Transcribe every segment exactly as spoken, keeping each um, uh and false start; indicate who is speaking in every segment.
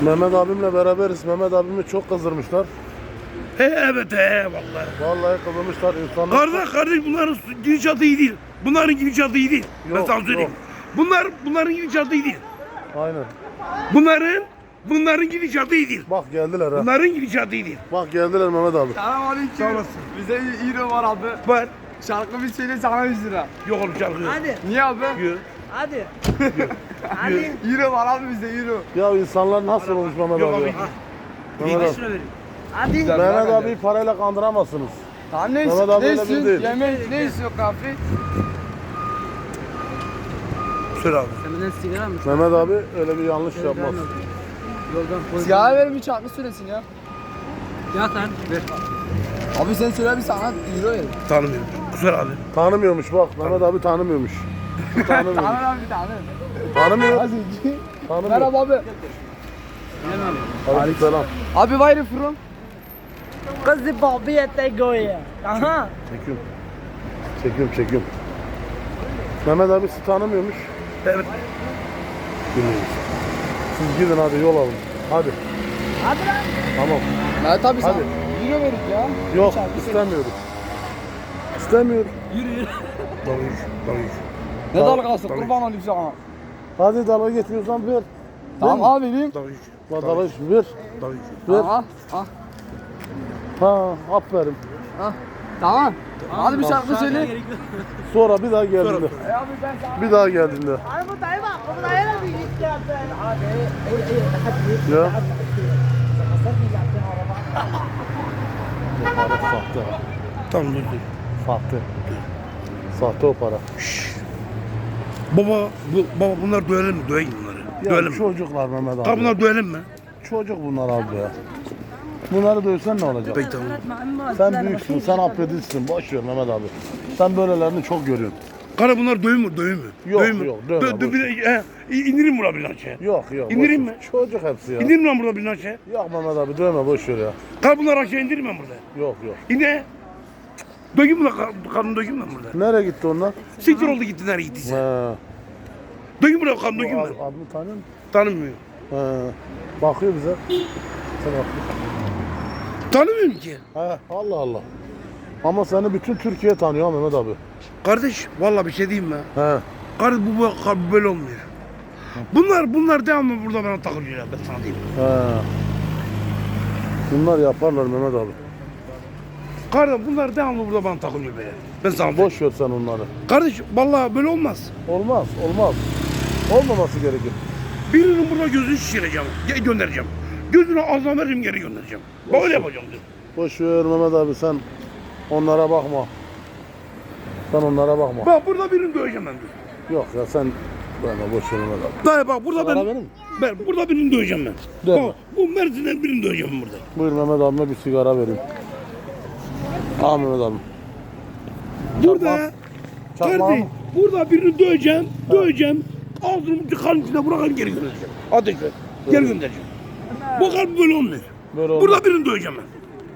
Speaker 1: Mehmet abimle beraberiz. Mehmet abimi çok kızdırmışlar.
Speaker 2: He evet he vallahi.
Speaker 1: Vallahi kızdırmışlar insanlar.
Speaker 2: Kardeş kardeş bunların gidişatı iyi değil. Bunların gidişatı iyi değil. Ben
Speaker 1: Yok,
Speaker 2: sana söyleyeyim.
Speaker 1: yok.
Speaker 2: Bunlar bunların gidişatı iyi değil.
Speaker 1: Aynen.
Speaker 2: Bunların bunların gidişatı iyi değil.
Speaker 1: Bak geldiler ha.
Speaker 2: Bunların gidişatı iyi değil.
Speaker 1: Bak geldiler Mehmet abi.
Speaker 3: Selamünaleyküm.
Speaker 2: Sağ olasın.
Speaker 3: Bize euro var abi.
Speaker 2: Var.
Speaker 3: Şarkı bir söyle sana yüz lira.
Speaker 2: Yok oğlum şarkı yok.
Speaker 4: Hadi,
Speaker 3: Niye abi?
Speaker 2: Yok.
Speaker 4: hadi. Hadi.
Speaker 3: Euro var abi bizde euro.
Speaker 1: Ya insanlar nasıl olmuş Mehmet
Speaker 2: Yok
Speaker 1: abi?
Speaker 2: abi.
Speaker 1: ya?
Speaker 2: Mehmet
Speaker 1: Mehmet
Speaker 2: abi.
Speaker 1: abi.
Speaker 2: vereyim.
Speaker 4: Hadi.
Speaker 3: Güzel.
Speaker 1: Mehmet
Speaker 3: bence.
Speaker 1: abi parayla kandıramazsınız.
Speaker 3: Tamam ne
Speaker 1: Mehmet
Speaker 3: istiyorsun?
Speaker 1: abi
Speaker 3: Ne
Speaker 1: öyle biri
Speaker 3: istiyorsun?
Speaker 1: değil.
Speaker 3: Yemek ne istiyor kahve?
Speaker 2: Söyle abi.
Speaker 4: Sen benden sigara mı?
Speaker 1: Mehmet abi öyle bir yanlış yapmaz.
Speaker 4: Yoldan koy.
Speaker 3: Sigara verin bir çarkı söylesin ya.
Speaker 4: Ya sen. Ver.
Speaker 3: Abi sen söyle bir sana euro ver.
Speaker 2: Tanımıyorum. Kusura abi.
Speaker 1: Tanımıyormuş bak. Mehmet abi tanımıyormuş. Tanımıyormuş.
Speaker 3: Tamam abi bir tane.
Speaker 1: Tanımıyor.
Speaker 3: Hadi.
Speaker 1: Tanımıyor.
Speaker 3: Merhaba abi.
Speaker 1: Aleykümselam.
Speaker 3: Abi where you from?
Speaker 4: Kızı babi ete goya. Aha.
Speaker 1: Çekiyorum. Çekiyorum çekiyorum. Mehmet abi sizi tanımıyormuş.
Speaker 2: Evet.
Speaker 1: Bilmiyoruz. Siz gidin hadi yol alın. Hadi.
Speaker 4: Hadi lan.
Speaker 1: Tamam.
Speaker 3: Evet abi sen
Speaker 1: Hadi.
Speaker 3: euro verin ya.
Speaker 1: Yok
Speaker 3: Çarkı söyle.
Speaker 1: istemiyorum. İstemiyorum.
Speaker 2: Dalga geç. Dalga geç.
Speaker 3: Ne
Speaker 1: Tamam,
Speaker 3: dalgası
Speaker 2: tabii.
Speaker 3: kurban olayım sana.
Speaker 1: Hadi dalga geçmiyorsan ver.
Speaker 3: Tamam abi vereyim.
Speaker 2: Dalga geç.
Speaker 1: Bak dalga geç ver.
Speaker 2: Dalga geç.
Speaker 1: Ver.
Speaker 3: Tamam al.
Speaker 1: Ha aferin.
Speaker 3: Al. Tamam. Hadi bir şarkı söyle.
Speaker 1: Sonra bir daha geldiğinde.
Speaker 3: E abi ben sana.
Speaker 1: Bir daha geldiğinde.
Speaker 4: Hadi bu dayı bak. Bu dayı da bir git geldi. Hadi.
Speaker 1: Ya. O para sahte. ha.
Speaker 2: Tamam dur dur.
Speaker 1: Sahte. Sahte o para.
Speaker 2: Baba bu baba bunlar dövelim mi? Döveyim bunları.
Speaker 1: Ya
Speaker 2: Dövelim mi?
Speaker 1: çocuklar Mehmet abi.
Speaker 2: Tamam bunlar dövelim mi?
Speaker 1: Çocuk bunlar abi ya. Bunları dövsen ne olacak?
Speaker 2: Peki tamam.
Speaker 1: Sen büyüksün, sen affedilsin. Boş ver Mehmet abi. Sen böylelerini çok görüyorsun.
Speaker 2: Kara bunlar döveyim mi? Döveyim mi?
Speaker 1: Yok,
Speaker 2: Döveyim mi?
Speaker 1: yok, dövme,
Speaker 2: Dö, dö,
Speaker 1: boş
Speaker 2: bir, he, indirin buna bir aşağı.
Speaker 1: Yok yok.
Speaker 2: İndireyim
Speaker 1: boş ver.
Speaker 2: mi?
Speaker 1: Çocuk hepsi ya.
Speaker 2: İndirin lan burada bir aşağı.
Speaker 1: Yok Mehmet abi dövme boş ver ya.
Speaker 2: Kara bunlar aşağı indirin ben burada.
Speaker 1: Yok yok.
Speaker 2: İne. Dökeyim mi lan? Kanını dökeyim ben burada.
Speaker 1: Nereye gitti onlar?
Speaker 2: Siktir oldu gitti nereye gittiyse.
Speaker 1: He.
Speaker 2: Dökeyim buraya kanını
Speaker 1: Bu
Speaker 2: dökeyim
Speaker 1: ad-
Speaker 2: ben.
Speaker 1: adını tanıyor musun?
Speaker 2: Tanımıyor.
Speaker 1: He. Bakıyor bize. Sen bak.
Speaker 2: Tanımıyorum ki.
Speaker 1: He. Allah Allah. Ama seni bütün Türkiye tanıyor ha Mehmet abi.
Speaker 2: Kardeş vallahi bir şey diyeyim mi?
Speaker 1: He.
Speaker 2: Kardeş bu, bu bu böyle olmuyor. Bunlar bunlar devamlı burada bana takılıyorlar ben sana diyeyim.
Speaker 1: He. Bunlar yaparlar Mehmet abi.
Speaker 2: Kardeş bunlar devamlı burada bana takılıyor böyle. Ben sana diyeyim.
Speaker 1: Boş ver sen onları.
Speaker 2: Kardeş vallahi böyle olmaz.
Speaker 1: Olmaz, olmaz. Olmaması gerekir.
Speaker 2: Birinin burada gözünü şişireceğim, ge- göndereceğim. Gözünü ağzına veririm geri göndereceğim. Bak öyle yapacağım diyor.
Speaker 1: Boş ver Mehmet abi sen onlara bakma. Sen onlara bakma.
Speaker 2: Bak burada birini döveceğim ben diyor.
Speaker 1: Yok ya sen böyle boş ver Mehmet abi.
Speaker 2: Dayı bak burada
Speaker 1: Sigara
Speaker 2: ben,
Speaker 1: verir mi?
Speaker 2: ben burada birini döveceğim ben.
Speaker 1: Dövme.
Speaker 2: Bak, bu Mersin'den birini döveceğim burada.
Speaker 1: Buyur Mehmet abime bir sigara vereyim. Al Mehmet abi.
Speaker 2: Burada
Speaker 1: Çakma
Speaker 2: kardeş,
Speaker 1: mı?
Speaker 2: burada birini döveceğim, döveceğim. Ağzını tıkanın içine bırakıp geri göndereceğim. Ateşle, geri göndereceğim. Bu kalp böyle olmuyor.
Speaker 1: Böyle olmaz.
Speaker 2: Burada birini döveceğim ben.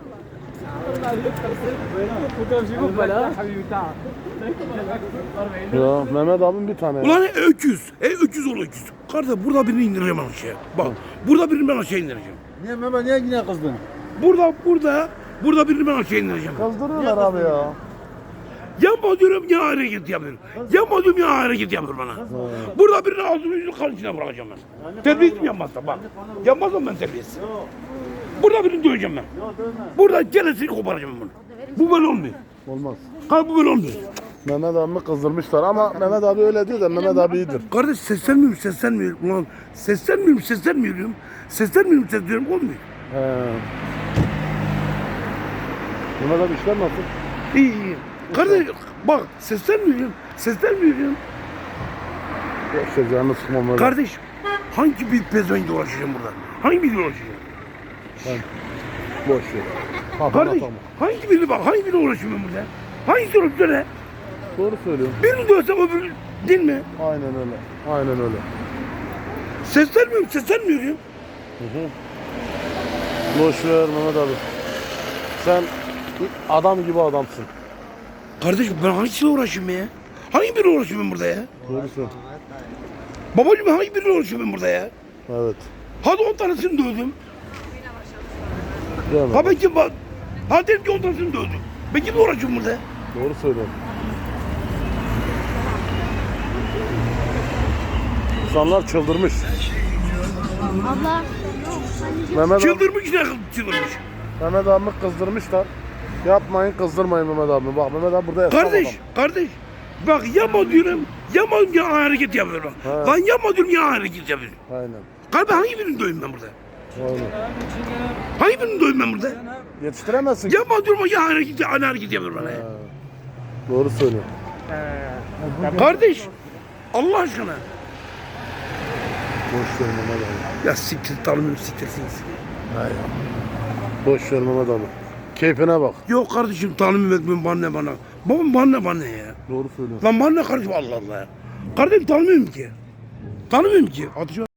Speaker 1: Ya Mehmet abim bir tane.
Speaker 2: Ulan e, öküz, e, öküz ol öküz. Kardeş burada birini indireceğim aşağıya. Bak, burada birini ben aşağı indireceğim.
Speaker 1: Niye Mehmet niye yine kızdın?
Speaker 2: Burada, burada, burada birini ben aşağı indireceğim.
Speaker 1: Kızdırıyorlar abi ya.
Speaker 2: Yapma diyorum ya hareket yapıyor. Yapma diyorum ya hareket yapıyor bana. Burada birini ağzını yüzünü kan içine bırakacağım ben. Terbiyesiz mi yapmazsam bak. Yapmazsam ben terbiyesiz. Burada birini döveceğim ben. Burada gelesini koparacağım ben bunu. Bu böyle olmuyor.
Speaker 1: Olmaz.
Speaker 2: Kardeş bu böyle olmuyor.
Speaker 1: Mehmet abimi kızdırmışlar ama Mehmet abi öyle diyor da Mehmet abi iyidir.
Speaker 2: Kardeş seslenmiyorum seslenmiyorum. Ulan seslenmiyorum seslenmiyorum. Seslenmiyorum seslenmiyorum olmuyor.
Speaker 1: He. Mehmet abi işler nasıl?
Speaker 2: İyi iyi. Kardeş bak seslenmiyorum. Seslenmiyorum.
Speaker 1: Boş ver canını sıkma Mehmet abi.
Speaker 2: Kardeş hangi bir pezevenkle uğraşacağım burada? Hangi biriyle uğraşacağım?
Speaker 1: Boş ver. Kafana
Speaker 2: Kardeş
Speaker 1: takma.
Speaker 2: hangi biri bak hangi biriyle uğraşıyorum ben burada? Hangisi uğraşıyor söyle?
Speaker 1: Doğru söylüyorsun.
Speaker 2: Birini dövsem öbürü değil mi?
Speaker 1: Aynen öyle. Aynen öyle.
Speaker 2: Seslenmiyorum seslenmiyorum.
Speaker 1: Hı hı. Boş ver Mehmet abi. Sen adam gibi adamsın.
Speaker 2: Kardeş ben hangisiyle uğraşıyorum ya? Hangi biriyle uğraşıyorum ben burada ya?
Speaker 1: Doğru söylüyorsun.
Speaker 2: Babacığım hangi biriyle uğraşıyorum ben burada ya?
Speaker 1: Evet.
Speaker 2: Hadi on tanesini dövdüm.
Speaker 1: Deme.
Speaker 2: Ha ben kim bak. Ha dedim ki on tanesini dövdüm. Ben kimle uğraşıyorum burada?
Speaker 1: Doğru söylüyorsun. İnsanlar çıldırmış.
Speaker 5: Abla.
Speaker 1: Mehmet abi,
Speaker 2: Çıldırmış ne çıldırmış.
Speaker 1: Mehmet abi kızdırmışlar. Yapmayın, kızdırmayın Mehmet abi. Bak Mehmet abi burada esnaf
Speaker 2: Kardeş,
Speaker 1: adam.
Speaker 2: kardeş. Bak yapma diyorum. Yapma diyorum ya hareket yapıyorum.
Speaker 1: Ha.
Speaker 2: Lan yapma diyorum ya hareket yapıyorum.
Speaker 1: Aynen.
Speaker 2: Kardeş hangi birini döveyim ben burada?
Speaker 1: Aynen.
Speaker 2: Hangi birini döveyim ben burada?
Speaker 1: Yetiştiremezsin.
Speaker 2: Yapma diyorum ya hareket, aynı hareket yapıyorum bana. ya.
Speaker 1: Ha. Doğru söylüyorsun.
Speaker 2: Kardeş, Allah aşkına.
Speaker 1: Boş ver Mehmet abi.
Speaker 2: Ya siktir tanımıyorum siktirsiniz.
Speaker 1: Hayır. Boş ver Mehmet abi. Keyfine bak.
Speaker 2: Yok kardeşim tanımıyorum etmiyorum bana ne bana. Babam bana ne bana ne ya.
Speaker 1: Doğru söylüyorsun.
Speaker 2: Lan bana ne kardeşim Allah Allah ya. Kardeşim tanımıyorum ki. Tanımıyorum ki. Atışı